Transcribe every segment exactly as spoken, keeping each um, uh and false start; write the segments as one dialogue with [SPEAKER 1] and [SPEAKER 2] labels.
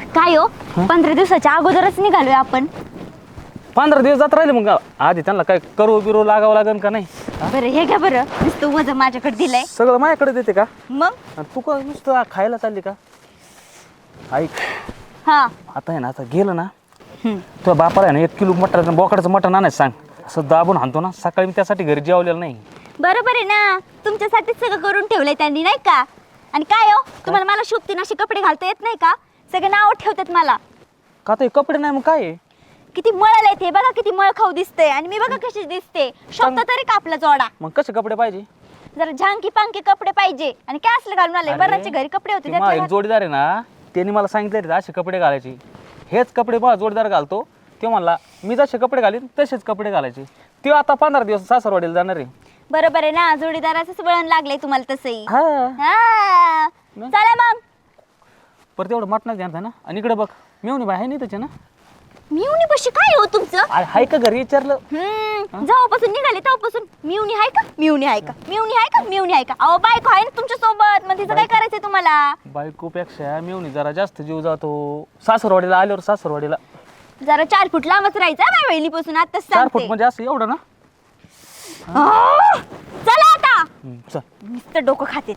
[SPEAKER 1] काय हो पंधरा दिवसाच्या अगोदरच निघालोय आपण.
[SPEAKER 2] पंधरा दिवस जात राहिले मग आधी त्यांना काय करू बिरू लागावं लागेल का नाही?
[SPEAKER 1] बरं हे घ्या बरं, नुसतं वजन माझ्याकडे दिलंय.
[SPEAKER 2] सगळं माझ्याकडे देते का?
[SPEAKER 1] मग
[SPEAKER 2] आणि तू का नुसतं खायला चालली का? ऐक
[SPEAKER 1] हा
[SPEAKER 2] आता आहे ना, आता गेलं ना
[SPEAKER 1] हम्म.
[SPEAKER 2] तुझ्या बापाला आहे ना एक किलो मटण बोकडाचं मटण आणायचं सांग. असं दाबून आणतो ना, सकाळी मी त्यासाठी घरी जेवलेलं नाही.
[SPEAKER 1] बरोबर आहे ना, तुमच्यासाठीच सगळं करून ठेवलंय त्यांनी नाही का. आणि काय हो तुम्हाला मला शोभतीन असे कपडे घालता येत नाही का? सगळे नाव ठेवतात मला.
[SPEAKER 2] का ते कपडे नाही मग काय आहे?
[SPEAKER 1] किती मळल आहे ते बघा, किती मळ खाऊ दिसते आणि मी बघा कशी दिसते. शोभता तरी का आपला जोडा?
[SPEAKER 2] मग कसे कपडे पाहिजे?
[SPEAKER 1] जरा झांकी पांकी कपडे पाहिजे. आणि काय असलं घालून आले?
[SPEAKER 2] अरे,
[SPEAKER 1] बराचे घरी कपडे होते
[SPEAKER 2] ते
[SPEAKER 1] त्यातले
[SPEAKER 2] माझा एक
[SPEAKER 1] घात-
[SPEAKER 2] जोडीदार आहे ना, त्यांनी मला सांगितले असे कपडे घालायचे. हेच कपडे मला जोडीदार घालतो. ते म्हणला मी जसे कपडे घालीन तसेच कपडे घालायचे. ते आता पंधरा दिवस सासरवाडीला जाणार आहे.
[SPEAKER 1] बरोबर आहे ना, जोडीदाराचंच वळण लागलंय तुम्हाला तसंही.
[SPEAKER 2] हा
[SPEAKER 1] हा चला मग.
[SPEAKER 2] परत एवढं मटणाच घ्या ना. आणि इकडे बघ मेवणी बाई आहे नाही त्याचे ना.
[SPEAKER 1] मिवणी बशी काय हो तुमचं?
[SPEAKER 2] अरे हाय का घरी विचारलं?
[SPEAKER 1] हम्म जेव्हापासून निघाले तेव्हापासून मिवणी आहे का मिवणी आहे का मिवणी आहे का मिवणी आहे का? अहो बायको आहे ना तुमच्या सोबत, मग तिचं काय करायचंय तुम्हाला?
[SPEAKER 2] बायकोपेक्षा मेवणी जरा जास्त जीव जातो. सासरवाडीला आल्यावर सासरवाडीला
[SPEAKER 1] जरा चार फूट लांबच राहायचं माझ्या बहिणीपासून, आताच
[SPEAKER 2] चार फूट
[SPEAKER 1] सांगते.
[SPEAKER 2] म्हणजे असं एवढं ना.
[SPEAKER 1] आह! चला आता,
[SPEAKER 2] हम्म, चल.
[SPEAKER 1] नुसतं डोकं खाते.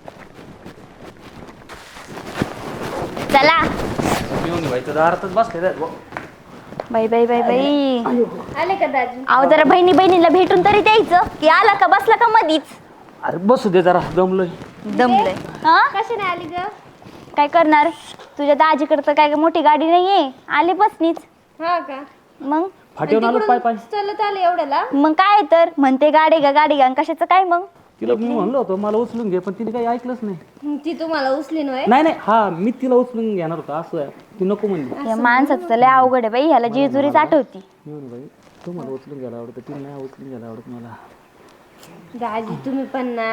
[SPEAKER 1] चला
[SPEAKER 2] मेवणी बाई तर दारातच बसले.
[SPEAKER 1] बाई बाई बाई बाई.
[SPEAKER 3] आले का दाजी?
[SPEAKER 1] अहो जरा बहिणी बहिणीला भेटून तरी द्यायचं की आला का बसला का मधीच.
[SPEAKER 2] अरे बसू दे जरा, दमलोय.
[SPEAKER 1] दमलंय हा.
[SPEAKER 3] कशी नाही आली ग?
[SPEAKER 1] काय करणार, तुझ्या दाजीकडे तर काय मोठी गाडी नाहीये, आले बसनीच.
[SPEAKER 3] हा का?
[SPEAKER 1] मग
[SPEAKER 2] फाटीवर आलो पाय पाय.
[SPEAKER 3] चलत आले एवढ्याला?
[SPEAKER 1] मग काय तर म्हणते गाडी गा गाडी गा कशाचं काय मग.
[SPEAKER 2] तिला मी म्हणलं होतं मला उचलून घे, पण तिने काही ऐकलंच नाही.
[SPEAKER 3] ती तुम्हाला उचली नव्हे?
[SPEAKER 2] नाही नाही, हा मी तिला उचलून घेणार होता असं आहे. ती नको म्हणली.
[SPEAKER 1] या माणसाचं तर लय अवघड आहे बाई, ह्याला जेजुरीच आठवती.
[SPEAKER 2] मेवणी बाई तू मला उचलून घ्यायला आवडतं, तिला नाही उचलून घ्यायला आवडत मला.
[SPEAKER 3] दाजी तुम्ही पण ना.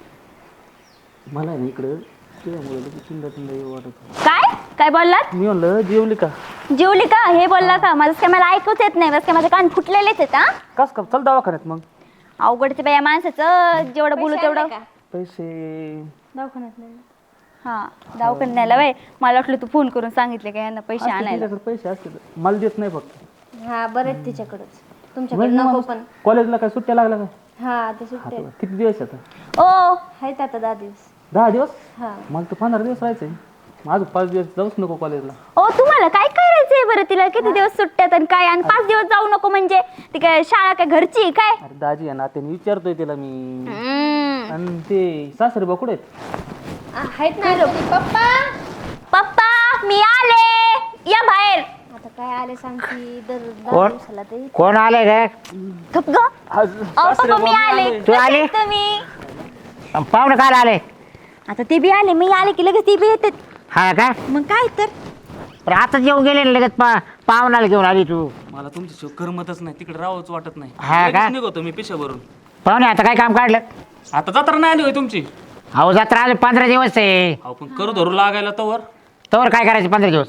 [SPEAKER 2] मला आहे ना इकडं तुझ्यामुळे लगेच चिंता चिंता येऊ वाटत होतं.
[SPEAKER 1] काय काय बोललात?
[SPEAKER 2] मी म्हणलं जेवली का?
[SPEAKER 1] जेवली का हे बोलला का? माझं काय मला ऐकूच येत नाही, बस काय माझे कान फुटलेलेच आहेत. हा
[SPEAKER 2] कस का चल दवाखान्यात मग.
[SPEAKER 1] अवघडच बाई या माणसाचं, जेवढं बोलू
[SPEAKER 3] पैसे
[SPEAKER 1] तेवढं.
[SPEAKER 3] आणले का?
[SPEAKER 2] पैसे
[SPEAKER 3] दवाखान्यात नाही.
[SPEAKER 1] हा दवाखान्यात न्यायला बाई, मला वाटलं तू फोन करून सांगितले का यांना पैसे
[SPEAKER 2] असते
[SPEAKER 1] आणायला.
[SPEAKER 2] तिच्याकडे पैसे असते, मला देत नाही फक्त.
[SPEAKER 3] हा बरं तिच्याकडच, तुमच्याकडे नको पण.
[SPEAKER 2] कॉलेजला काय सुट्ट्या लागल्या का?
[SPEAKER 3] हा आता सुट्टे
[SPEAKER 2] आता किती दिवस आता?
[SPEAKER 1] ओ
[SPEAKER 3] आहेत आता दहा दिवस.
[SPEAKER 2] दहा दिवस?
[SPEAKER 3] हा
[SPEAKER 2] मला तर पंधरा दिवस राहायचंय. माझं पाच दिवस जाऊच नको कॉलेजला.
[SPEAKER 1] ओ तुम्हाला काय करायचंय बरं? तिला किती दिवस सुट्ट्यात आणि काय, आणि पाच दिवस जाऊ नको म्हणजे ती काय शाळा काय घरची आहे काय?
[SPEAKER 2] अरे दाजी आहे ना, त्याने विचारतोय तिला मी.
[SPEAKER 1] हम्म.
[SPEAKER 2] आणि ते सासरे बा कुठे आहेत?
[SPEAKER 3] आहेत ना घरी. पप्पा
[SPEAKER 1] पप्पा मी आले, या बाहेर.
[SPEAKER 3] आता काय आले सांगती दर दहा
[SPEAKER 4] कोण?
[SPEAKER 3] दिवसाला तरी.
[SPEAKER 4] कोण आले ग?
[SPEAKER 1] गप ग.
[SPEAKER 2] आज
[SPEAKER 1] अहो
[SPEAKER 2] सासरे
[SPEAKER 1] पप्पा मी
[SPEAKER 2] बा
[SPEAKER 1] आले.
[SPEAKER 2] आले.
[SPEAKER 4] तू
[SPEAKER 1] कसे
[SPEAKER 4] आली?
[SPEAKER 1] आहेत तुम्ही?
[SPEAKER 4] पाहुणे काय आले?
[SPEAKER 1] आता ते बी आले, मी आले की लगेच ते बी येतात.
[SPEAKER 4] हा का?
[SPEAKER 1] मग काय तर.
[SPEAKER 4] पण आता जेवून गेले ना लगेच पा पाहुणाला घेऊन आली तू.
[SPEAKER 2] मला तुमच्याशिवाय करमतच नाही, तिकडे राहावंच वाटत नाही.
[SPEAKER 4] हा का?
[SPEAKER 2] लगेच निघतो मी पिशाभरून.
[SPEAKER 4] पाहुणे आता काय काम काढलं?
[SPEAKER 2] आता जत्रा नाही आली होय तुमची?
[SPEAKER 4] अहो जत्रा आले पंधरा दिवस आहे.
[SPEAKER 2] अहो पण करू धरू लागायला तवर
[SPEAKER 4] तोवर काय करायचं पंधरा दिवस?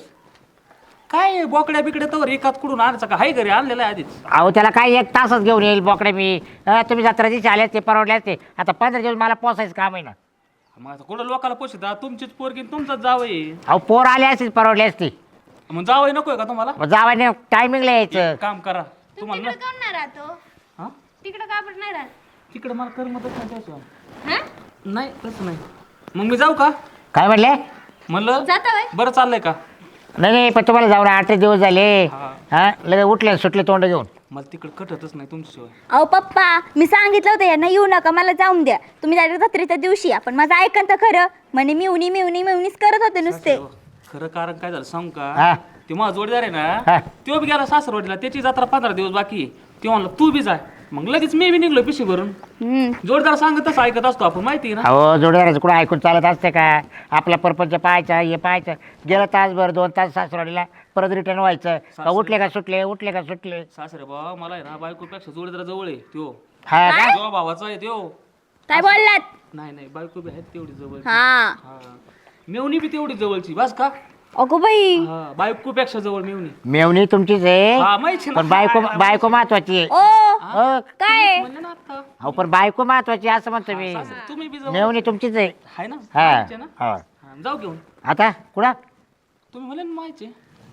[SPEAKER 2] काय बोकड्या बिकड्या तवर एकात कुठून आणायचं का? हाय घरी आणलेलं आहे आधीच.
[SPEAKER 4] अहो त्याला काय एक तासच घेऊन येईल बोकडे मी. अं, तुम्ही जत्रा दिवशी आले ते परवडले असते. आता पंधरा दिवस मला पोसायचं काम आहे ना.
[SPEAKER 2] मग आता कुठं लोकाला पोषिता? तुमचीच पोरगी आणि तुमचाच जावई.
[SPEAKER 4] अहो पोर आले असते परवडले असते.
[SPEAKER 2] मग जावई नकोय का तुम्हाला?
[SPEAKER 4] मग जावाने टायमिंगला यायचं.
[SPEAKER 2] एक काम करा तुम्हाला ना-
[SPEAKER 3] कोण नाही राहतो
[SPEAKER 2] हा?
[SPEAKER 3] तिकडं का पण नाही राहत?
[SPEAKER 2] तिकडे मला करमतच नाही त्याशिवाय.
[SPEAKER 3] हा
[SPEAKER 2] नाही तसं नाही. मग मी जाऊ का?
[SPEAKER 4] काय म्हणले?
[SPEAKER 2] म्हणलं
[SPEAKER 3] जाता वय?
[SPEAKER 2] बरं चाललंय का?
[SPEAKER 4] नाही नाही पण तुम्हाला जाऊन आठ दिवस झाले.
[SPEAKER 2] हा.
[SPEAKER 4] हा लगेच उठले सुटले तोंड घेऊन.
[SPEAKER 2] मला तिकडे कटतच नाही तुमच्याशिवाय.
[SPEAKER 1] अहो पप्पा मी सांगितलं होतं यांना येऊ नका, मला जाऊन द्या. तुम्ही जायचं जत्रेच्या दिवशी, आपण माझं ऐकन तर खरं. म्हणे मिवणी मिवणी मिवणीच करत होते नुसते.
[SPEAKER 2] खरं कारण काय झालं सांगू
[SPEAKER 4] हा.
[SPEAKER 2] का? ते माझा जोडीदार आहे
[SPEAKER 4] हा.
[SPEAKER 2] ना, तो बी गेला सासरवाडीला. त्याची जत्रा पंधरा दिवस बाकी आहे. ते म्हणलं तू बी जाय. मग लगेच मी बी निघलो पिशी भरून.
[SPEAKER 1] हम्म.
[SPEAKER 2] जोडदार सांगत तसं ऐकत असतो आपण, माहिती आहे ना.
[SPEAKER 4] अहो जोडीदाराचं कुठं ऐकून चालत असते का? आपला परपंच पाहायचा हे पाहायचं. गेलं तासभर दोन तास सासरवाडीला परत रिटर्न व्हायचं का? उठले का सुटले उठले का सुटले.
[SPEAKER 2] सासरे बा मला आहे ना बायकोपेक्षा जोडीदार जवळ आहे त्यो.
[SPEAKER 4] हा का?
[SPEAKER 2] जो भावाचा आहे त्यो.
[SPEAKER 1] काय बोललात?
[SPEAKER 2] नाही नाही बायको बी आहेत तेवढी जवळ.
[SPEAKER 1] हा
[SPEAKER 2] हा. मेवणी बी तेवढी जवळची बस का?
[SPEAKER 1] अगो बाई.
[SPEAKER 2] हा बायकोपेक्षा जवळ मेवणी.
[SPEAKER 4] मेवणी तुमचीच आहे.
[SPEAKER 2] हा माहिती ना.
[SPEAKER 4] पण बायको बायको महत्वाची आहे.
[SPEAKER 1] ओ
[SPEAKER 4] हो.
[SPEAKER 1] काय?
[SPEAKER 2] म्हणलं ना आता.
[SPEAKER 4] अहो पण बायको महत्वाची असं म्हणतो मी.
[SPEAKER 2] सासरे, तुम्ही बी जवळ
[SPEAKER 4] मेवणी तुमचीच आहे.
[SPEAKER 2] आहे ना?
[SPEAKER 4] हा
[SPEAKER 2] माहिती आहे ना?
[SPEAKER 4] हा.
[SPEAKER 2] हा, जाऊ घेऊन.
[SPEAKER 4] आता कुठं?
[SPEAKER 2] तुम्ही म्हणले ना माहिती.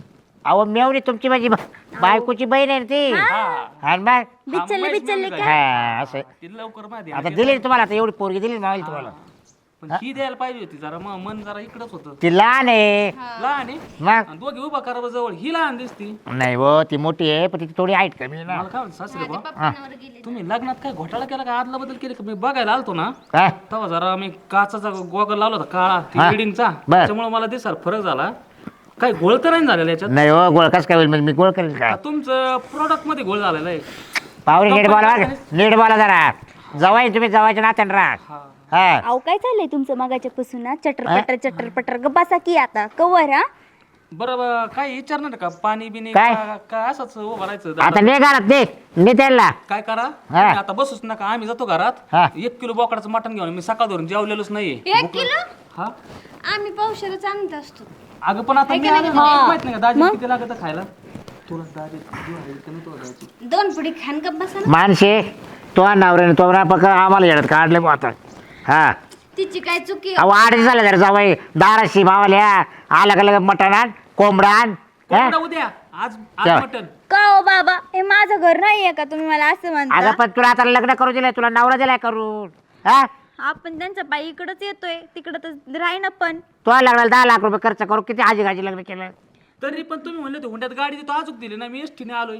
[SPEAKER 4] अहो मेवणी तुमची माझी बा- बायकोची बहीण आहे ना ती आणि मग
[SPEAKER 1] बिचलले बिचलले का
[SPEAKER 4] हा असं
[SPEAKER 2] ती लवकर माहिती
[SPEAKER 4] आता दिली ना तुम्हाला आता एवढी पोरगी दिली ना मावली तुम्हाला
[SPEAKER 2] पण ही द्यायला पाहिजे होती जरा मग मन जरा इकडंच होतं
[SPEAKER 4] ती लहान आहे
[SPEAKER 2] लहान आहे
[SPEAKER 4] मग
[SPEAKER 2] आणि दोघे उभा करा जवळ ही लहान दिसती
[SPEAKER 4] नाही हो ती मोठी आहे पण ती थोडी हाईट कमी आहे ना
[SPEAKER 2] मला काय म्हणते सासरे बा
[SPEAKER 3] पप्पांवर गेले
[SPEAKER 2] तुम्ही लग्नात काय घोटाळा केला का आदला बदल केले का मी बघायला आलतो ना
[SPEAKER 4] हा?
[SPEAKER 2] तेव्हा जरा मी काचाचा गोगल लावला होता काळा
[SPEAKER 4] हा.
[SPEAKER 2] बिल्डिंगचा
[SPEAKER 4] बर.
[SPEAKER 2] त्याच्यामुळे मला दिसाल फरक झाला काही घोळ तर नाही झालेला याच्यात
[SPEAKER 4] नाही हो गोळ कस काय होईल म्हणजे मी गोळ करेल का
[SPEAKER 2] तुमचं प्रोडक्ट मध्ये घोळ झालेला आहे
[SPEAKER 4] पावरी नीट बोला
[SPEAKER 2] कंपनी
[SPEAKER 4] बरं. नीट बोला जरा जवाई तुम्ही जवायच्या नात्याने राहा
[SPEAKER 2] हा.
[SPEAKER 4] हा
[SPEAKER 1] अहो काय चाललंय तुमचं मगाच्या पासून ना चटर पटर चटर पटर ग बसा की आता कवर हा
[SPEAKER 2] बरं बरं, काय विचारणार का पाणी बिनी
[SPEAKER 4] काय?
[SPEAKER 2] का- काय असंच उभं राहायचं
[SPEAKER 4] आता ने घरात दे ने त्याला
[SPEAKER 2] काय करा
[SPEAKER 4] हा.
[SPEAKER 2] तुम्ही आता बसूच नका आम्ही जातो घरात
[SPEAKER 4] हा.
[SPEAKER 2] एक किलो बोकडाचं मटण घेऊन मी सकाळ धरून जेवलेलोच नाहीये
[SPEAKER 3] एक किलो
[SPEAKER 2] हा
[SPEAKER 3] आम्ही पावशेरच आणत असतो
[SPEAKER 2] अगं पण आता मी आलो ना, माहित नाही का दाजी किती लागत खायला तुला दाजी जीव आहे का नाही तुला द्यायची?
[SPEAKER 3] दोन पुडी खान का बसा ना
[SPEAKER 4] माणसे तो नवऱ्याने तो ना पक्का आम्हाला येण्यात काढले बुवा आता हा
[SPEAKER 3] तिची काय चुकी
[SPEAKER 4] अहो आठ झालं जरा जावाई दाराशी भावाल्या आलं का लगेच मटण आण कोंबडा आण हा?
[SPEAKER 2] कोंबडा उद्या आज आज
[SPEAKER 4] चल.
[SPEAKER 2] मटण
[SPEAKER 1] का हो बाबा हे माझं घर नाहीये का तुम्ही मला असं
[SPEAKER 4] अगं
[SPEAKER 1] म्हणता
[SPEAKER 4] पण तुला आता लग्न करू दिलंय तुला नवरा दिलाय करून हा
[SPEAKER 1] आपण त्यांचा बाई इकडच येतोय तिकडं तर राही ना पण
[SPEAKER 4] तो लग्नाला दहा लाख रुपये खर्च करू किती हाजी गाजी लग्न केलं
[SPEAKER 2] तरी पण तुम्ही म्हणले होते हुंड्यात गाडी देतो अजूक दिली ना मी एसटीने आलोय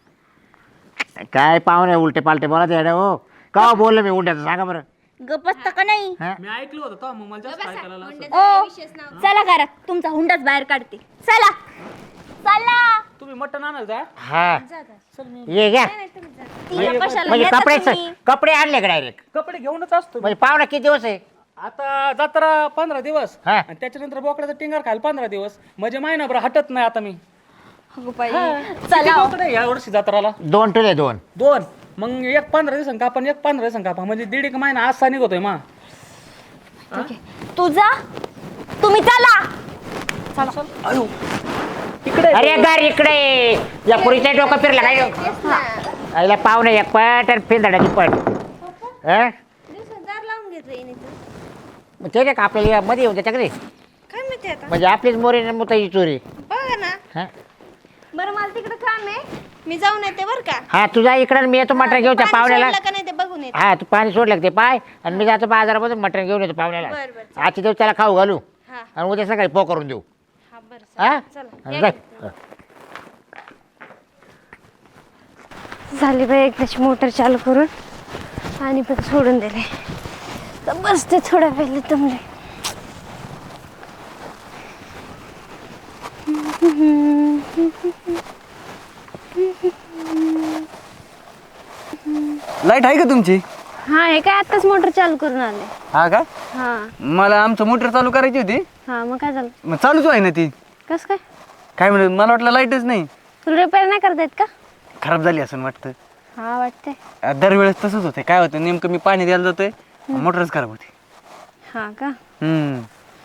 [SPEAKER 4] काय पाहुणे उलटे पालटे बोला येणं हो का बोललो मी उलट्याचं सांगा बरं
[SPEAKER 1] गप असता का नाही
[SPEAKER 4] हा?
[SPEAKER 2] मी ऐकलं होतं तेव्हा मग मला जास्त ऐकायला लागलं असं.
[SPEAKER 1] ओ चला करा तुमचा हुंडाच बाहेर काढते चला चला
[SPEAKER 2] तुम्ही मटण आणाल जा
[SPEAKER 4] हा ये घ्या
[SPEAKER 1] तिला कशाला
[SPEAKER 4] म्हणजे
[SPEAKER 1] येता
[SPEAKER 4] कपडे
[SPEAKER 1] तुम्ही?
[SPEAKER 4] कपडे आणले का डायरेक्ट
[SPEAKER 2] कपडे घेऊनच असतो मी.
[SPEAKER 4] म्हणजे पाहुणा किती दिवस आहे
[SPEAKER 2] आता जत्रा पंधरा दिवस
[SPEAKER 4] हा.
[SPEAKER 2] आणि त्याच्यानंतर बोकडाचा टिंगार खायला पंधरा दिवस म्हणजे महिनाभर हटत नाही आता मी
[SPEAKER 1] अगो बाई
[SPEAKER 2] किती
[SPEAKER 1] चला हो.
[SPEAKER 2] बोकडं आहे या वर्षी जत्राला
[SPEAKER 4] दोन टुले दोन
[SPEAKER 2] दोन मग एक पंधरा दिवसांनी कापा एक पंधरा दिवसांनी कापा म्हणजे दीड एक महिना आज निघतोय मा
[SPEAKER 1] तुझा तुम्ही चला
[SPEAKER 2] अयो इकडे
[SPEAKER 4] अरे घर इकडे या पुरीच्या डोकं फिरला काय आईला पाहुणे एक पट आणि फिरदाडाची पट हा?
[SPEAKER 3] दिवसदार लावून घेतलं येणे
[SPEAKER 4] मग ते नाही का आपल्याला मध्ये येऊन त्याच्याकडे
[SPEAKER 3] काय माहिती आता
[SPEAKER 4] म्हणजे आपलीच मोरी मुताची चोरी
[SPEAKER 3] बघा ना
[SPEAKER 4] हा?
[SPEAKER 3] बरं मला तिकडे काम आहे मी जाऊन येते बरं का
[SPEAKER 4] हा तुझा इकडे मी येतो मटण घेऊन त्या
[SPEAKER 3] पाणी
[SPEAKER 4] पाहुण्याला
[SPEAKER 3] सोडलं का नाही ते बघून येते
[SPEAKER 4] हा तू पाणी सोडलं का ते पाय आणि मी जातो बाजारामधून मटण घेऊन येतो पाहुण्याला
[SPEAKER 3] बरं, बरं,
[SPEAKER 4] आजचे दिवस त्याला खाऊ घालू
[SPEAKER 3] हा
[SPEAKER 4] आणि उद्या सकाळी पो करून देऊ
[SPEAKER 3] हा बरं
[SPEAKER 4] हा
[SPEAKER 3] चला
[SPEAKER 4] आणि जाय.
[SPEAKER 3] झाली बाई एकदाची मोटर चालू करून आणि पण सोडून दिले तर बसते थोड्या वेळ तुमले
[SPEAKER 5] लाईट आहे का तुमची
[SPEAKER 3] हा हे काय आताच मोटर चालू करून आले
[SPEAKER 5] हा का
[SPEAKER 3] हा
[SPEAKER 5] मला आमचं मोटर चालू करायची होती
[SPEAKER 3] हा मग काय झालं
[SPEAKER 5] मग चालूच आहे ना ती
[SPEAKER 3] कस काय
[SPEAKER 5] काय म्हणत मला वाटलं लाईटच नाही
[SPEAKER 3] तुला रिपेअर नाही करता येत का
[SPEAKER 5] खराब झाली असं वाटतं
[SPEAKER 3] हा वाटते
[SPEAKER 5] अं, दरवेळेस तसंच होतं काय होतं नेमकं मी पाणी द्यायला जातोय मोटरच खराब होती
[SPEAKER 3] हा का
[SPEAKER 5] हम्म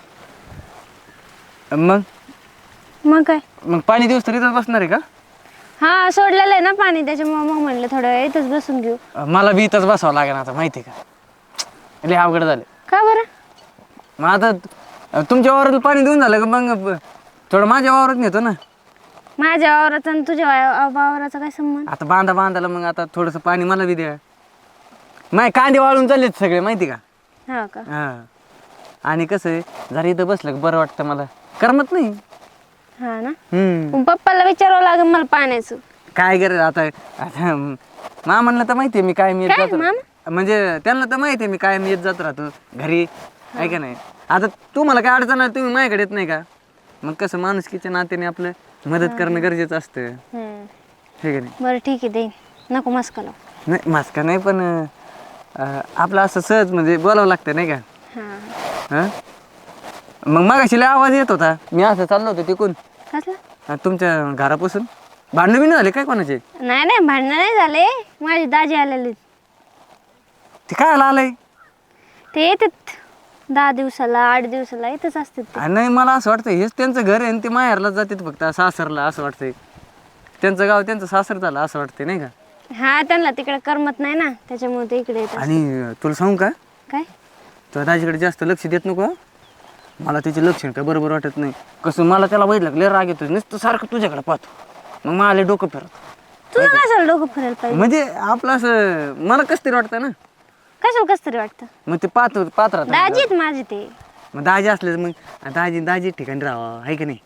[SPEAKER 5] मग
[SPEAKER 3] मग काय
[SPEAKER 5] मग पाणी दिवस तर इथंच बसणार आहे का
[SPEAKER 3] हा सोडलेलं आहे ना पाणी त्याच्यामुळे मग म्हणलं थोडं वेळ इथंच बसून घेऊ
[SPEAKER 5] अं, मला बी इथंच बसावं लागेल आता माहिती आहे का लय अवघड झालं
[SPEAKER 3] का बरं
[SPEAKER 5] मग आता अं, तुमच्या वावरात पाणी देऊन झालं का मग ब- थोडं माझ्या वावरात नेतो ना
[SPEAKER 3] माझ्या वावराचा आणि तुझ्या वाव- वावराचा काय संबंध
[SPEAKER 5] आता बांधा बांधाला मग आता थोडंसं पाणी मला बी द्या नाही कांदे वाळून चाललेत सगळे माहिती का
[SPEAKER 3] हा का
[SPEAKER 5] हा आणि कसं आहे जरा इथं बसलं का बरं वाटतं मला करमत नाही
[SPEAKER 3] हा ना
[SPEAKER 5] हम्म
[SPEAKER 3] मग पप्पाला विचारावं लागेल मला पाण्याचं
[SPEAKER 5] काय करायचं आता आता मामांना तर माहिती आहे मी काय मी येत
[SPEAKER 3] काय,
[SPEAKER 5] जात राहतो. म्हणजे त्यांना तर माहिती आहे मी काय मी येत जात राहतो घरी आहे का नाही आता तुम्हाला काय अडचण आहे तुम्ही माझ्याकडे येत नाही का मग कसं माणुसकीच्या नात्याने आपलं मदत करणं गरजेचं असतं
[SPEAKER 3] हम्म.
[SPEAKER 5] हे का नाही
[SPEAKER 3] बरं ठीक आहे देईन नको मस्का लावू
[SPEAKER 5] नाही मास्का नाही पण अं, आपलं असं सहज म्हणजे बोलावं लागतं नाही का
[SPEAKER 3] हा
[SPEAKER 5] हां मग मागाशी लय आवाज येत होता मी असं चाललो होतो तिकून
[SPEAKER 3] कसला
[SPEAKER 5] अं, तुमच्या घरापासून भांडणं बिणं झाले काय कोणाचे
[SPEAKER 3] नाही नाही भांडणं नाही झाले माझी दाजी आलेली
[SPEAKER 5] ते काय आलंय
[SPEAKER 3] ते येतात दहा दिवसाला आठ दिवसाला येतच असतात ते.
[SPEAKER 5] नाही मला असं वाटतं हेच त्यांचं घर आहे आणि ते माहेरला जातात फक्त सासरला असं वाटतंय त्यांचं गाव त्यांचं सासर झालं असं वाटतंय नाही का
[SPEAKER 3] हा त्यांना तिकडे करमत नाही ना त्याच्यामुळे ते इकडे येतात
[SPEAKER 5] आणि तुला सांगू का
[SPEAKER 3] काय
[SPEAKER 5] तुझ्या दाजीकडे जास्त लक्ष देत नको हं? मला तिचे लक्षण काय बरोबर वाटत नाही. कसं मला त्याला बघितलं लय राग येतो, नुसतं सारखं तुझ्याकडे पाहतो, मग मला लय डोकं फिरत.
[SPEAKER 3] तुला कशाला डोकं फिरायला पाहिजे?
[SPEAKER 5] म्हणजे आपलं असं मला कसं तरी वाटतं ना,
[SPEAKER 3] कशाला कसं तरी वाटतं?
[SPEAKER 5] मग ते पाहतो पाहत राहतो.
[SPEAKER 3] दाजी आहेत माझे ते.
[SPEAKER 5] मग दाजी असले मग दाजी दाजी ठिकाणी राहावं आहे की नाही.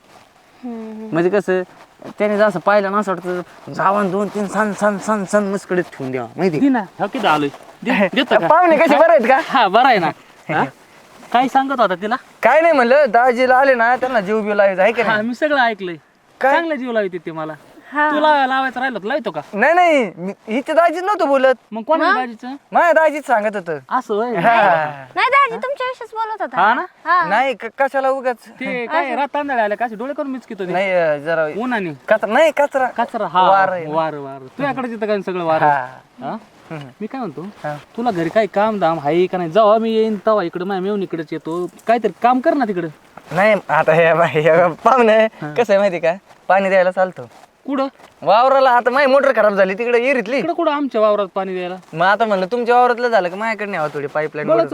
[SPEAKER 3] हम्म.
[SPEAKER 5] म्हणजे कसं त्याने जसं पाहिलं ना असं वाटतं जावान दोन तीन सन सन सन सन मस्कडीत ठेवून द्यावा माहिती
[SPEAKER 2] दे ना हो किती आलोय दे- देतो का?
[SPEAKER 5] पाहुणे कसे बरे आहेत का?
[SPEAKER 2] हा बरं आहे ना हा? काय सांगत होता तिला?
[SPEAKER 5] काय नाही म्हणलं दाजीला आले ना त्यांना जीव बिव लावायचं आहे का
[SPEAKER 2] हा
[SPEAKER 5] नाही.
[SPEAKER 2] मी सगळं ऐकलंय.
[SPEAKER 5] काय?
[SPEAKER 2] चांगलं जीव लावते ते मला.
[SPEAKER 3] हा.
[SPEAKER 2] तुला लावायचं राहिलं तर लावतो का?
[SPEAKER 5] नाही नाही मी- हिच्या दाजीच नव्हतं बोलत,
[SPEAKER 2] मग कोणा दाजीचं
[SPEAKER 5] माझ्या दाजीच सांगत होतं.
[SPEAKER 2] असं होय.
[SPEAKER 3] नाही दाजी तुमच्या विषयीच बोलत होता.
[SPEAKER 2] हा ना
[SPEAKER 3] हा.
[SPEAKER 5] नाही क- कशाला उगाच
[SPEAKER 2] ते काय रात तांदळे आले का डोळे करून मिचकितो ते
[SPEAKER 5] नाही अं, जरा
[SPEAKER 2] उन्हाने
[SPEAKER 5] कचरा नाही कचरा
[SPEAKER 2] कचरा हा
[SPEAKER 5] वार आहे ना.
[SPEAKER 2] वार वार तुझ्याकडे तिथं काय सगळं वार
[SPEAKER 5] हा.
[SPEAKER 2] हा? मी काय म्हणतो
[SPEAKER 5] हा.
[SPEAKER 2] तुला घरी काही काम दाम आहे का नाही? जेव्हा मी येईन तेव्हा इकडे माझ्या मेवून इकडेच येतो, काहीतरी काम कर ना तिकडं.
[SPEAKER 5] नाही आता हे बाई, हे पाहुणे कसं आहे माहिती का, पाणी द्यायला चालतो
[SPEAKER 2] कुठं
[SPEAKER 5] वावराला. आता माझी मोटर खराब झाली तिकडे इरीतली,
[SPEAKER 2] इकडं कुठं आमच्या वावरात पाणी द्यायला?
[SPEAKER 5] मग आता म्हणलं तुमच्या वावरातलं झालं का माझ्याकडे न्यावं थोडी पाईपलाईन
[SPEAKER 2] बळच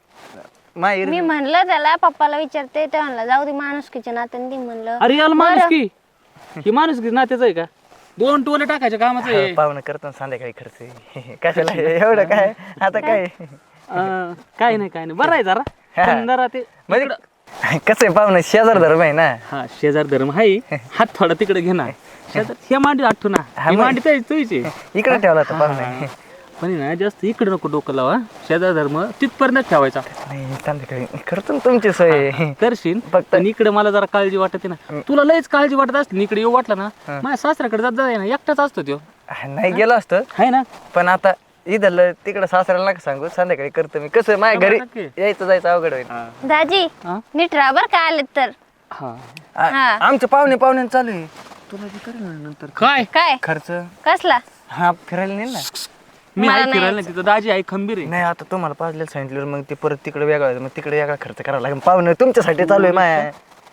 [SPEAKER 5] माझ्या
[SPEAKER 3] मी म्हणलं त्याला, पप्पाला विचारते ते म्हणलं जाऊ दे माणुसकीच्या नात्याने दे म्हणलं.
[SPEAKER 2] अरे याला माणूस की ही माणूस की नात्याच आहे का? दोन टोले टाकायच्या कामाचं आहे.
[SPEAKER 5] पाहुणं करतो ना संध्याकाळी खर्च कशाला एवढं काय आता काय
[SPEAKER 2] अं, काय नाही काय नाही बरं आहे जरा पण जरा ते
[SPEAKER 5] म्हणजे कसं आहे पाहुणं शेजार धर्म आहे ना.
[SPEAKER 2] हा शेजार धर्म आहे. हात थोडा तिकडे घे ना शेजार हे मांडी आठवू ना ही मांडी तर तुझी
[SPEAKER 5] इकडे ठेवला तर पाहुणे
[SPEAKER 2] पण आहे ना जास्त इकडे नको डोकं लावा. शेजार धर्म तिथपर्यंत ठेवायचा.
[SPEAKER 5] नाही संध्याकाळी करतो ना तुमची सोय.
[SPEAKER 2] करशील
[SPEAKER 5] फक्त-
[SPEAKER 2] पण इकडे मला जरा काळजी वाटते ना. तुला लयच काळजी वाटत असते इकडे येऊ वाटलं ना माझ्या सासऱ्याकडे जात जाय ना एकटाच असतो तो
[SPEAKER 5] नाही गेलो असतं
[SPEAKER 2] आहे ना.
[SPEAKER 5] पण आता इथलं तिकडं सासऱ्याला नका सांगू, संध्याकाळी करतो मी. कसं माझ्या घरी
[SPEAKER 2] नक्की.
[SPEAKER 5] यायचं जायचं अवघड होईल.
[SPEAKER 3] दाजी
[SPEAKER 2] हा?
[SPEAKER 3] नीट राहा बरं का आलेत तर.
[SPEAKER 2] हा
[SPEAKER 5] आ-
[SPEAKER 3] हा.
[SPEAKER 5] आमचं पाहुणे पाहुणे चालू आहे. तुला जे करेल ना नंतर
[SPEAKER 2] काय
[SPEAKER 3] काय
[SPEAKER 5] खर्च
[SPEAKER 3] कसला?
[SPEAKER 5] हा फिरायला नाही ना.
[SPEAKER 2] मी
[SPEAKER 3] मला
[SPEAKER 2] आहे
[SPEAKER 3] नाही
[SPEAKER 2] फिरायला नाही तिथं दाजी आहे खंबीर आहे.
[SPEAKER 5] नाही आता तुम्हाला पाजलेलं सांगितलं मग ते परत तिकडे वेगळा मग तिकडे वेगळा खर्च करावा लागेल. पाहुणे तुमच्यासाठी चालू आहे माया.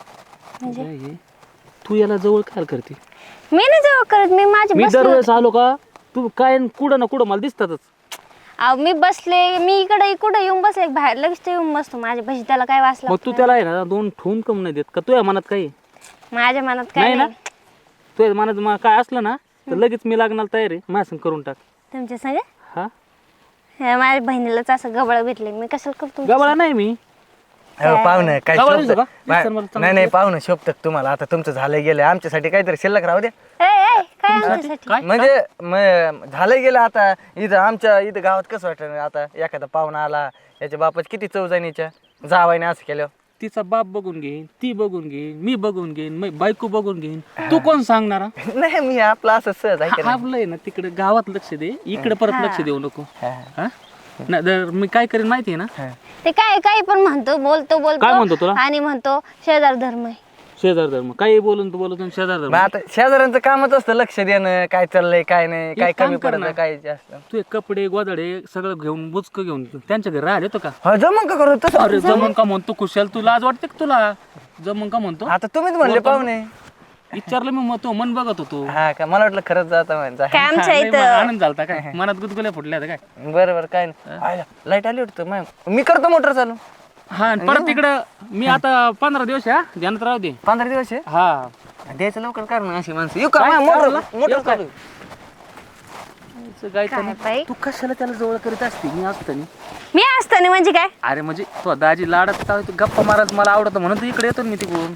[SPEAKER 2] काय? तू याला जवळ काय करते?
[SPEAKER 3] मी नाही जवळ करत, मी माझी
[SPEAKER 2] मी
[SPEAKER 3] बसले
[SPEAKER 2] दरवेळेस आलो का तू काय न कुठं ना कुठं मला दिसतातच.
[SPEAKER 3] अहो, मी बसले मी इकडे कुठे येऊन बसले बाहेर लगेच ते येऊन बसतो माझ्या भजी. त्याला काय वाचलं
[SPEAKER 2] मग तू त्याला आहे ना दोन ठेवून कम नाही देत का? तुझ्या मनात काही
[SPEAKER 3] माझ्या मनात काय
[SPEAKER 2] नाही ना?
[SPEAKER 3] नाही.
[SPEAKER 2] तुझ्या मनात मा- काय असलं ना तर लगेच मी लागणार तयार आहे. माझ्या संग करून टाक.
[SPEAKER 3] तुमच्या संग
[SPEAKER 2] हा
[SPEAKER 3] हे माझ्या बहिणीलाच असं गबळ भेटले, मी कशाला करतो?
[SPEAKER 2] गबाळा नाही मी.
[SPEAKER 5] हो पाहुणे काय
[SPEAKER 2] गावाला
[SPEAKER 5] शोभतं?
[SPEAKER 2] दिसतो का?
[SPEAKER 5] मा-
[SPEAKER 2] दिसतं मला चांगलं.
[SPEAKER 5] नाही नाही पाहुणे शोभतात तुम्हाला. आता तुमचं झालं गेलं, आमच्यासाठी काहीतरी शिल्लक राहू द्या.
[SPEAKER 3] ए, ए, काय आमच्यासाठी?
[SPEAKER 2] काय
[SPEAKER 5] म्हणजे म- झालं गेलं आता. इथं आमच्या इथं गावात कसं वाटतं आता एखादा पाहुणा आला याच्या बापाच किती चौजानीच्या जावायने असं केलं.
[SPEAKER 2] तिचा बाप बघून घेईन, ती बघून घेईन, मी बघून घेईन, मी बायको बघून घेईन. तू कोण सांगणार? हा?
[SPEAKER 5] नाही मी आपलं असं सहज आहे का
[SPEAKER 2] आपलं आहे ना तिकडे गावात लक्ष दे, इकडे परत लक्ष देऊ नको.
[SPEAKER 5] नाही?
[SPEAKER 2] हा? नाही तर मी काय करेन माहिती आहे ना?
[SPEAKER 5] हा.
[SPEAKER 3] ते काय काय पण म्हणतो, बोलतो
[SPEAKER 2] काय म्हणतो तुला?
[SPEAKER 3] बोलतो आणि म्हणतो शेजार धर्म आहे.
[SPEAKER 2] शेजार धर्म काही बोलून तू बोलून शेजार
[SPEAKER 5] मग
[SPEAKER 2] धर्म.
[SPEAKER 5] आता शेजाऱ्यांचं कामच असतं लक्ष देणं, काय चाललंय काय नाही, काय
[SPEAKER 2] एक काम
[SPEAKER 5] कमी
[SPEAKER 2] कर
[SPEAKER 5] पडलं
[SPEAKER 2] ना.
[SPEAKER 5] काय जास्त.
[SPEAKER 2] तू एक कपडे गोदडे सगळं घेऊन बुचक घेऊन त्यांच्या घरी राहिले तो का?
[SPEAKER 5] हा जमून का करू तसं?
[SPEAKER 2] अरे जमून का म्हणतो कुशाल? तुला आज वाटते का तुला जमून का म्हणतो?
[SPEAKER 5] आता तुम्हीच म्हणले पाहुणे.
[SPEAKER 2] विचारलं मी मग तो मन बघत होतो.
[SPEAKER 5] हा का मला वाटलं खरंच जाता म्हणजे.
[SPEAKER 3] काय आमच्या
[SPEAKER 2] लय
[SPEAKER 3] इथं
[SPEAKER 2] मला आनंद झालता काय मनात गुदगुल्या फुटल्या होत्या काय?
[SPEAKER 5] बरं बरं काय नाही. लाईट आली वाटतं मॅम. मी करतो मोटर चालू.
[SPEAKER 2] हा आणि परत तिकडं मी आता पंधरा दिवस आहे, हा ध्यानात राहू दे.
[SPEAKER 5] पंधरा दिवस आहे
[SPEAKER 2] हा
[SPEAKER 5] द्यायचं लवकर कर ना अशी माणसं. येऊ का
[SPEAKER 2] काय
[SPEAKER 5] मोटर
[SPEAKER 2] करायला?
[SPEAKER 5] मोटर
[SPEAKER 2] येऊ का?
[SPEAKER 5] चालू.
[SPEAKER 2] गायचं
[SPEAKER 3] काय
[SPEAKER 2] ना.
[SPEAKER 3] बाई?
[SPEAKER 2] तू कशाला त्याला जवळ करीत असते? मी असताना
[SPEAKER 3] मी असताना म्हणजे काय?
[SPEAKER 2] अरे म्हणजे तो दाजी लाडत होता, तू गप्पा मारत मला आवडतं म्हणून तू इकडे येतो ना मी तिकडून.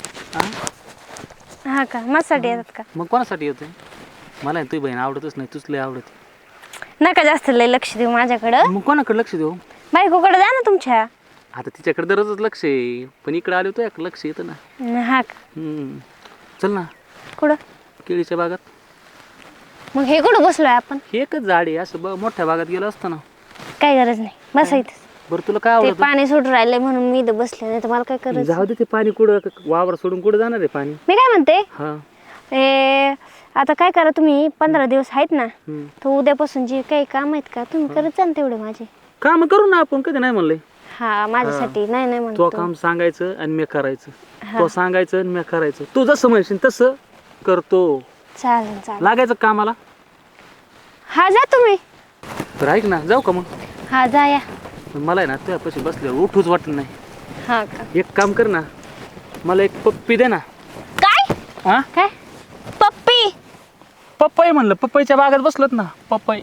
[SPEAKER 2] हा?
[SPEAKER 3] हा का माझ्यासाठी येतात का?
[SPEAKER 2] मग कोणासाठी येतोय? मला तुझी बहीण आवडतच नाही, तुझ लय आवडते.
[SPEAKER 3] नका जास्त लय लक्ष देऊ माझ्याकडं.
[SPEAKER 2] मग कोणाकडे लक्ष देऊ?
[SPEAKER 3] बायकोकडे जा ना तुमच्या.
[SPEAKER 2] आता तिच्याकडे दररोजच लक्ष आहे, पण इकडे आलो तो एक लक्ष येतं ना.
[SPEAKER 3] हा का?
[SPEAKER 2] हम्म. चल ना
[SPEAKER 3] कुठं?
[SPEAKER 2] केळीच्या बागात.
[SPEAKER 3] मग हे कुठं बसलोय आपण?
[SPEAKER 2] हे एकच झाड आहे, असं बघ मोठ्या बागात गेलं असतं ना.
[SPEAKER 3] काय गरज नाही, बसायचं.
[SPEAKER 2] बरं तुला काय
[SPEAKER 3] ते
[SPEAKER 2] आवडतं?
[SPEAKER 3] पाणी सुटून राहिलंय म्हणून मी इथं बसले, नाही तर मला काय करायचं?
[SPEAKER 2] जाऊ दे ते पाणी कुठं वावर सोडून कुठं जाणार आहे पाणी?
[SPEAKER 3] मी काय म्हणते,
[SPEAKER 2] हा.
[SPEAKER 3] ए आता काय करा तुम्ही, पंधरा दिवस आहेत ना,
[SPEAKER 2] हम्म.
[SPEAKER 3] तर उद्यापासून जे काही काम आहेत का तुम्ही करत जा ना तेवढे माझे.
[SPEAKER 2] काम करू ना आपण, कधी नाही म्हणलंय.
[SPEAKER 3] हा माझ्यासाठी नाही नाही
[SPEAKER 2] तो
[SPEAKER 3] म्हणतो.
[SPEAKER 2] काम सांगायचं आणि मी करायचं. तो सांगायचं आणि मी करायचं. तू जसं म्हणशील तसं करतो.
[SPEAKER 3] चालेल चालेल.
[SPEAKER 2] लागायचं कामाला.
[SPEAKER 3] हा जा तुम्ही.
[SPEAKER 2] तर ऐक ना, जाऊ का मग?
[SPEAKER 3] हा जा या.
[SPEAKER 2] पण मला आहे ना तुझ्यापाशी बसल्यावर उठूच वाटत नाही.
[SPEAKER 3] हा का
[SPEAKER 2] एक काम कर ना, मला एक पप्पी दे ना.
[SPEAKER 1] काय
[SPEAKER 2] हा
[SPEAKER 3] काय
[SPEAKER 1] पप्पी?
[SPEAKER 2] पप्पाई म्हणलं, पप्पाईच्या बागेत बसलोत ना. पप्पाई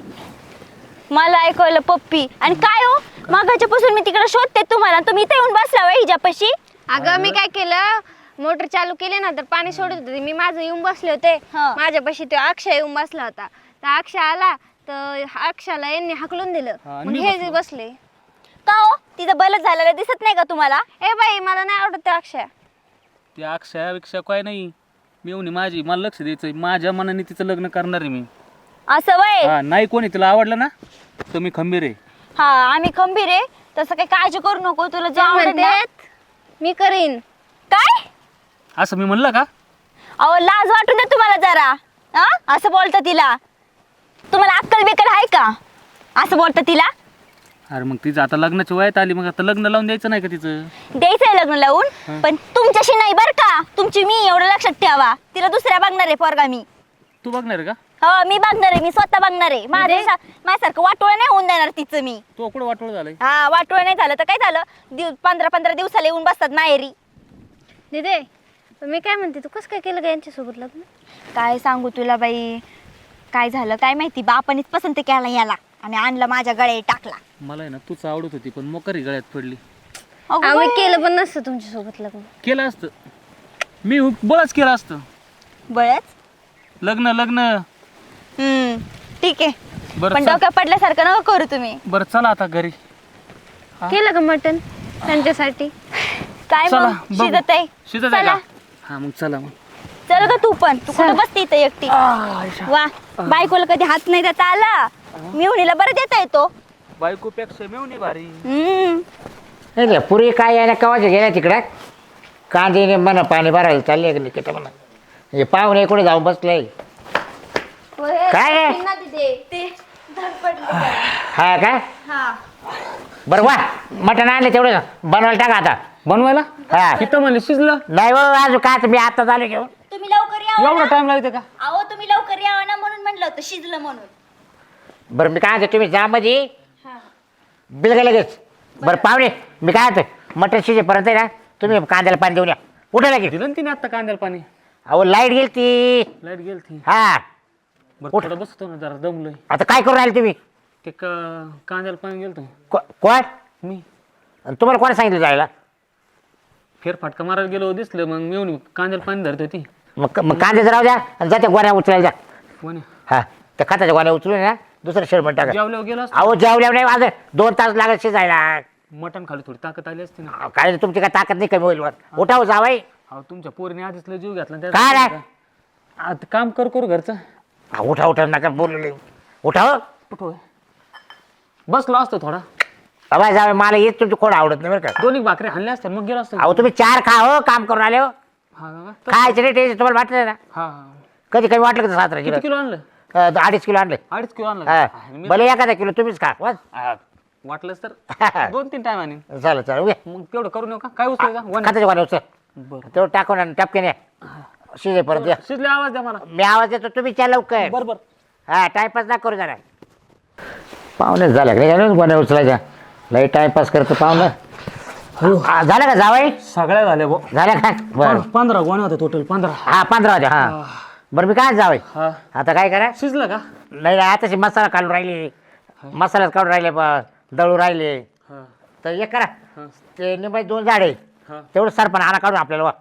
[SPEAKER 1] मला ऐकवलं पप्पी. आणि काय हो, मागाच्या पासून मी तिकडे शोधते तुम्हाला, तुम्ही इथे येऊन बसला वय हिच्यापाशी.
[SPEAKER 3] अगं मी काय केलं मोटर चालू केली ना तर पाणी सोडत होते मी माझं येऊन बसले होते
[SPEAKER 1] हा.
[SPEAKER 3] माझ्यापाशी तो अक्षय येऊन बसला होता तर अक्षय आला तर अक्षयाला यांनी हाकलून दिलं
[SPEAKER 2] हा,
[SPEAKER 3] मग
[SPEAKER 2] मी
[SPEAKER 3] हे
[SPEAKER 2] बसलो.
[SPEAKER 3] जे बसले
[SPEAKER 1] का हो, तिचं बलच झालेलं दिसत नाही का तुम्हाला?
[SPEAKER 3] ए बाई मला नाही आवडत ते अक्षय
[SPEAKER 2] ती अक्षयापेक्षा काय नाही, मेवणी माझी, मला लक्ष द्यायचं. माझ्या मनाने तिचं लग्न करणार आहे मी.
[SPEAKER 1] असं वय?
[SPEAKER 2] हा, नाही कोणी तिला आवडलं ना तर मी खंबीर आहे.
[SPEAKER 1] हा, आम्ही खंबीर आहे. तसं काही काळजी करू नको, तुला जे आवडेल ना.
[SPEAKER 3] म्हणतात मी करीन
[SPEAKER 1] काय?
[SPEAKER 2] असं मी म्हणलं का?
[SPEAKER 1] अहो लाज वाटून द्या तुम्हाला जरा. हा, असं बोलतं तिला. तुम्हाला अक्कल बिकल आहे का असं बोलतं तिला?
[SPEAKER 2] अरे मग तिचं आता लग्नाची वयात आली, मग आता लग्न लावून द्यायचं नाही का तिचं?
[SPEAKER 1] द्यायचंय लग्न लावून, पण तुमच्याशी नाही बर का. तुमची मी एवढं लक्षात ठेवा. तिला दुसऱ्या बघणार आहे पोरगा मी.
[SPEAKER 2] तू बघणार आहे का?
[SPEAKER 1] हो मी बघणार आहे, मी स्वतः बघणार आहे. माझ्या माझ्यासारखं वाटोळ नाही होऊन देणार तिचं मी.
[SPEAKER 2] तू कुठं वाटोळ झालंय?
[SPEAKER 1] हा, वाटोळ नाही झालं तर काय झालं, दिव पंधरा पंधरा दिवसाला येऊन बसतात माहेरी.
[SPEAKER 3] दिदे पण मी काय म्हणते तू कसं काय केलं का यांच्यासोबत लग्न
[SPEAKER 1] काय सांगू तुला बाई, काय झालं काय माहिती, बापानीच पसंत केला याला आणि आणलं माझ्या गळ्यात टाकला.
[SPEAKER 2] मला आहे ना तूच आवडत होती, पण मोकारी गळ्यात पडली.
[SPEAKER 1] अगं
[SPEAKER 3] आम्ही
[SPEAKER 1] बाई.
[SPEAKER 3] केलं पण नसतं तुमच्यासोबत लग्न
[SPEAKER 2] केलं असतं मी, बळच केलं असतं
[SPEAKER 1] बळच.
[SPEAKER 2] लग्न. लग्न
[SPEAKER 1] हम्म ठीक आहे,
[SPEAKER 2] बरं
[SPEAKER 1] पण
[SPEAKER 2] चल.
[SPEAKER 1] डोक्यात पडल्यासारखं नको करू तुम्ही.
[SPEAKER 2] बरं चला आता घरी.
[SPEAKER 3] केलं का मटन त्यांच्यासाठी
[SPEAKER 1] काय
[SPEAKER 2] चला
[SPEAKER 1] मग
[SPEAKER 2] बघू.
[SPEAKER 1] शिजत आहे.
[SPEAKER 2] शिजत आहे
[SPEAKER 1] चला.
[SPEAKER 2] का? हा मग चला मग.
[SPEAKER 1] चल ग तू पण, तू कुठं बसते इथं एकटी? वा, बायकोला कधी हात नाही देता आला, मिवणीला बरं देता येतो.
[SPEAKER 2] बायकोपेक्षा मेवणी भारी.
[SPEAKER 1] हम्म
[SPEAKER 4] नाही रे पुरी काय आहे ना कवाचे गेल्या तिकडं कांदे म्हणा पाणी भरायला चालले गेले की म्हणा हे पाहुणे कुठे जाऊन बसले काय आहे? हा काय बरं वा मटण आणले तेवढं बनवायला टाका आता
[SPEAKER 2] बनवायला
[SPEAKER 4] हा
[SPEAKER 2] तिथं म्हणले शिजलं.
[SPEAKER 4] नाही हो अजून काय मी आता झाले घेऊन
[SPEAKER 1] तुम्ही लवकर या
[SPEAKER 2] एवढा टाइम लागते का?
[SPEAKER 1] अहो तुम्ही लवकर यावा ना म्हणून म्हणलं होतं शिजलं म्हणून.
[SPEAKER 4] बरं मी काय म्हणते तुम्ही जा मध्ये बिल का लगेच बरं पाहुणे मी काय म्हणतो मटण शिजेपर्यंत आहे ना तुम्ही कांद्याला पाणी देऊन या उठा लगेच
[SPEAKER 2] दिलं ना तिने आता कांद्याला पाणी.
[SPEAKER 4] अहो लाईट गेली ती
[SPEAKER 2] लाईट गेल ती.
[SPEAKER 4] हा
[SPEAKER 2] बरं थोडं बसतो ना जरा, दमलोय.
[SPEAKER 4] आता काय करून राहिले तुम्ही
[SPEAKER 2] ते क- कांद्याला पाणी गेलतो
[SPEAKER 4] को- कोण
[SPEAKER 2] मी.
[SPEAKER 4] आणि तुम्हाला कोणी सांगितलं जायला
[SPEAKER 2] फेरफाटका मारायला गेलो, दिसलं मग मेवणी कांद्याला पाणी धरत होती.
[SPEAKER 4] मग मग कांद्याचं राहू द्या आणि जाते गोण्या उचलायला जा
[SPEAKER 2] कोणी
[SPEAKER 4] हा त्या खताच्या गोण्या उचलून ना दुसरं शेरमन टाका
[SPEAKER 2] जेवल्यावर गेलो असतो.
[SPEAKER 4] अहो जेवल्या नाही आज दोन तास लागत शिजायला
[SPEAKER 2] मटण खाली थोडी ताकद आली असती ना.
[SPEAKER 4] अहो, काय नाही, तुमची काय ताकद नाही कमी होईल वर उठाव जावाई
[SPEAKER 2] अहो तुमच्या पोरीने आधीच लय जीव घातला ना
[SPEAKER 4] काय
[SPEAKER 2] त्यात.
[SPEAKER 4] रे?
[SPEAKER 2] आता काम कर करू घरचं.
[SPEAKER 4] हा, उठा उठा नका बोलले उठाव
[SPEAKER 2] कुठं होय? बसलो असतो थोडा,
[SPEAKER 4] अबाय जावे मला येत तुमची कोण आवडत नाही बरं का
[SPEAKER 2] दोन्ही भाकरी हाणल्या असत्या मग गेलो असतो.
[SPEAKER 4] अहो तुम्ही चार खा हो काम करून आले हो
[SPEAKER 2] हा का? तर-
[SPEAKER 4] खायचं नाही टेन्शन तुम्हाला वाटलं ना
[SPEAKER 2] हा हा.
[SPEAKER 4] कधी कमी वाटलं का सात
[SPEAKER 2] किती
[SPEAKER 4] किलो
[SPEAKER 2] किलो आणलं?
[SPEAKER 4] अं, अडीच किलो आणले
[SPEAKER 2] अडीच किलो आणलं
[SPEAKER 4] हा
[SPEAKER 2] का? मी-
[SPEAKER 4] भले एखादा किलो तुम्हीच खा बस
[SPEAKER 2] हा, वाटलंच तर दोन तीन टाइम आणि
[SPEAKER 4] चालेल चालेल उगे
[SPEAKER 2] मग तेवढं करू नका. काय उचलायचा गोण्या?
[SPEAKER 4] खताच्या गोण्या उचल
[SPEAKER 2] बरं
[SPEAKER 4] तेवढं टाकून आणि टपक्याने शिजेपर्यंत या
[SPEAKER 2] शिजले आवाज द्या मला.
[SPEAKER 4] मी आवाज देतो तुम्ही त्या लवकर
[SPEAKER 2] बरं बरं.
[SPEAKER 4] हा टाइमपास ना करू जरा पाहुणे झाल्या का नाही गोण्या उचलायच्या लई टाइमपास करतो पाहुणं हा, झालं का जावाई
[SPEAKER 2] सगळ्या झाल्या भाऊ.
[SPEAKER 4] झालं का बरं
[SPEAKER 2] पं- पंधरा गोण्या होत्या टोटल, पंधरा.
[SPEAKER 4] हा पंधरा होते हा बरं मी काय जावाई
[SPEAKER 2] हा
[SPEAKER 4] आता काय करा
[SPEAKER 2] शिजलं का?
[SPEAKER 4] नाही नाही, आताशी मसाला काढून राहिले मसालाच काढून राहिले ब- दळून राहिले
[SPEAKER 2] हा
[SPEAKER 4] तर एक करा
[SPEAKER 2] हा
[SPEAKER 4] ते निंबाई दोन झाडे
[SPEAKER 2] हा.
[SPEAKER 4] तेवढं सरपण आणा काढून आपल्याला वा.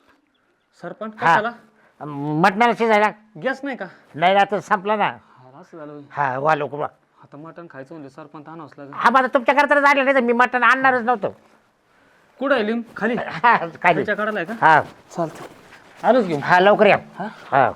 [SPEAKER 2] सरपंच
[SPEAKER 4] हा
[SPEAKER 2] कशाला?
[SPEAKER 4] मटणाला शिजायला
[SPEAKER 2] गॅस नाही का?
[SPEAKER 4] नाही ना तर संपला ना
[SPEAKER 2] हा, असं झालं होय.
[SPEAKER 4] हा वा लवकर वा
[SPEAKER 2] आता मटण खायचं म्हणजे सरपंच आणावंच लागेल.
[SPEAKER 4] हा माझा तुमच्या करता झालं नाही तर मी मटण आणणारच नव्हतं
[SPEAKER 2] कुठं आहे लिंब? खाली
[SPEAKER 4] हा काय नाही.
[SPEAKER 2] त्याच्या कडाला आहे का?
[SPEAKER 4] हा
[SPEAKER 2] चालतं, आलोच घेऊन.
[SPEAKER 4] हा लवकर या
[SPEAKER 2] हा?
[SPEAKER 4] हा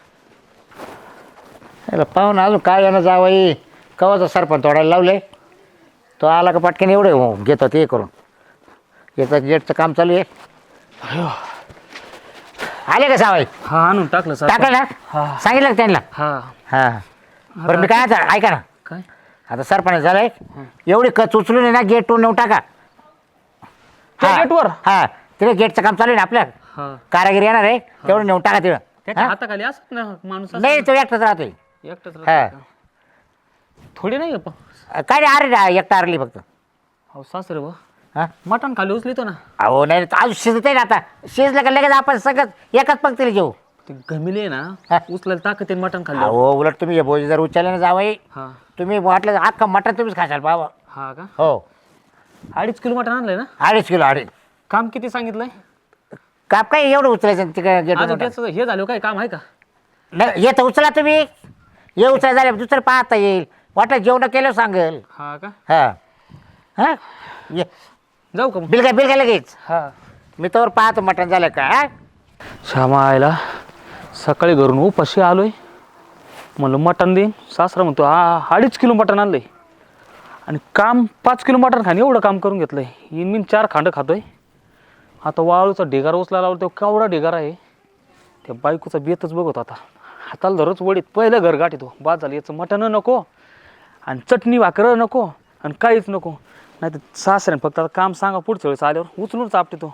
[SPEAKER 4] याला पाहून अजून काय यानं जावई कवाचा सरपंच तोडायला लावले तो आला का पटकन एवढे हो घेतो ते करून याचं गेटचं काम चालू आहे आले का जावई
[SPEAKER 2] हा आणून टाकलं सरपंच.
[SPEAKER 4] टाकलं ना
[SPEAKER 2] हा
[SPEAKER 4] सांगितलं का त्यांना
[SPEAKER 2] हा.
[SPEAKER 4] हा बरं मी काय आता ऐका ना
[SPEAKER 2] काय?
[SPEAKER 4] आता सरपंच झालंय एवढी कच उचलून आहे ना गेट नेऊ टाका
[SPEAKER 2] त्या गेटवर?
[SPEAKER 4] हा तिथे गेटचं काम चालू आहे ना आपल्या
[SPEAKER 2] हा
[SPEAKER 4] कारागिरी येणार आहे तेवढं नेऊन टाका तिथं
[SPEAKER 2] त्याच्या
[SPEAKER 4] हा?
[SPEAKER 2] हाताखाली असत ना माणूस असं.
[SPEAKER 4] नाही तो एकटाच राहतोय
[SPEAKER 2] एकटंच
[SPEAKER 4] हा.
[SPEAKER 2] राहतं का? थोडी नाही का?
[SPEAKER 4] काय नाही अरे एकटा आरली फक्त
[SPEAKER 2] हो सासरे भाऊ
[SPEAKER 4] हा
[SPEAKER 2] मटण खाली उचलितो ना.
[SPEAKER 4] अहो नाही आज शिजत आहे ना आता शिजलं का लगेच आपण सगळं एकाच पंक्तीला जेऊ.
[SPEAKER 2] ते घमिले ना
[SPEAKER 4] हा.
[SPEAKER 2] उचलायला ताकद आहे मटण खाल्लं.
[SPEAKER 4] अहो उलट तुम्ही हे भोजी जर उचलले ना जावई
[SPEAKER 2] हा
[SPEAKER 4] तुम्ही वाटलं अख्खा मटण तुम्हीच खाशाल बाबा.
[SPEAKER 2] हा का?
[SPEAKER 4] हो
[SPEAKER 2] अडीच किलो मटण आणलंय ना.
[SPEAKER 4] अडीच किलो अडीच.
[SPEAKER 2] काम किती सांगितलंय?
[SPEAKER 4] काप काय एवढं उचलायचं तिकडे गेट
[SPEAKER 2] अजून त्याचं हे झालं काय काम आहे का?
[SPEAKER 4] नाही येतं उचला तुम्ही ये उचला झाले दुसरं पाहता येईल वाटलं जेवण केलं सांगेल.
[SPEAKER 2] हा का?
[SPEAKER 4] हा हा ये
[SPEAKER 2] जाऊ का मग?
[SPEAKER 4] बिल काय बिल काय लगेच
[SPEAKER 2] हा.
[SPEAKER 4] मी तर पाहतो मटण झालं का हा?
[SPEAKER 2] श्यामा आयला सकाळी घरून उपाशी आलोय म्हणलं मटण दे. सासरा म्हणतो हा अडीच किलो मटण आणलंय आणि काम पाच किलो मटण खाणे एवढं काम करून घेतलंय. इन मी चार खांड खातोय. आता वाळूचा ढिगारा उचलायला लावला तेव्हा केवढा ढिगारा आहे. त्या बायकोचा बेतच बघत आता हाताला धरच वडीत पहिलं घर गाठी तो बाद झालं. याचं मटण नको आणि चटणी भाकरं नको आणि काहीच नको. नाही तर सासऱ्याने फक्त आता काम सांगा पुढच्या वेळेस आल्यावर उचलून चापटे तो.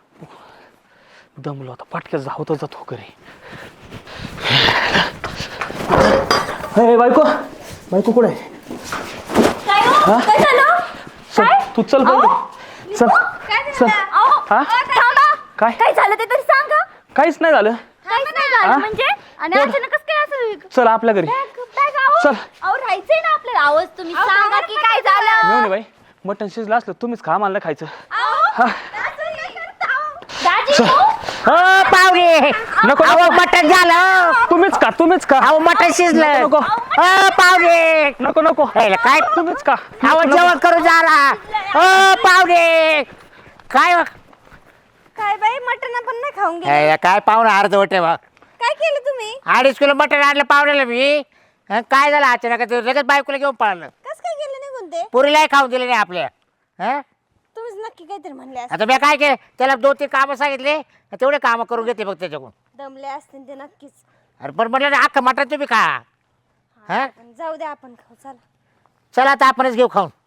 [SPEAKER 2] दमलो आता पाटक्यात जावतो जातो घरी. हे बायको बायको कुठे आहे?
[SPEAKER 1] काय हो? काय झालं?
[SPEAKER 2] चल तू चल पहिले चल चल. हा
[SPEAKER 1] थांबा.
[SPEAKER 2] काय
[SPEAKER 1] काय झालं ते तरी सांगा.
[SPEAKER 2] काहीच नाही झालं.
[SPEAKER 1] काहीच नाही झालं
[SPEAKER 2] हा?
[SPEAKER 1] म्हणजे आणि अचानकच काय असं
[SPEAKER 2] चल आपल्या घरी चल.
[SPEAKER 1] अहो राहायचंय ना आपल्याला. आवाज तुम्ही सांगा की काय झालं.
[SPEAKER 2] मेवणे बाई मटण शिजलं असलं तुम्हीच खा मला खायचं.
[SPEAKER 1] अहो,
[SPEAKER 2] हा.
[SPEAKER 1] असं काय करता? दाजी
[SPEAKER 2] चल.
[SPEAKER 1] हो.
[SPEAKER 4] हो पाहुणे
[SPEAKER 2] नको
[SPEAKER 4] अहो
[SPEAKER 2] नको
[SPEAKER 4] मटण झालं
[SPEAKER 2] तुम्हीच का तुम्हीच का
[SPEAKER 4] अहो मटण शिजलं
[SPEAKER 2] नको
[SPEAKER 4] हो पाहुणे
[SPEAKER 2] नको नको
[SPEAKER 4] यायला काय
[SPEAKER 2] तुम्हीच का
[SPEAKER 4] अहो जेवण करू झाला हो पाहुणे काय हो?
[SPEAKER 3] काय बाई मटण आपण नाही खाऊन गेले.
[SPEAKER 4] यायला काय पाहुणे अर्धवट आहे बा.
[SPEAKER 3] काय केलं तुम्ही?
[SPEAKER 4] अडीच किलो मटण आणलं पाहुण्याला मी हं, काय झालं अचानक ते लगेच बायकोला घेऊन पळालं.
[SPEAKER 3] कस काय केलं निघून ते?
[SPEAKER 4] पुरीलाही खाऊन दिले नाही आपल्या हं?
[SPEAKER 3] तुम्हीच नक्की काहीतरी म्हणले असते.
[SPEAKER 4] आता मी काय केलं त्याला दोन तीन कामं सांगितले तेवढे कामं करून घेते बघ त्याच्याकडून.
[SPEAKER 3] दमले असते ते नक्कीच.
[SPEAKER 4] अरे पण म्हटलं ना अख्खं मटण तुम्ही खा हा
[SPEAKER 3] पण जाऊ दे आपण खाऊ चला.
[SPEAKER 4] चला आता आपणच घेऊ खाऊन.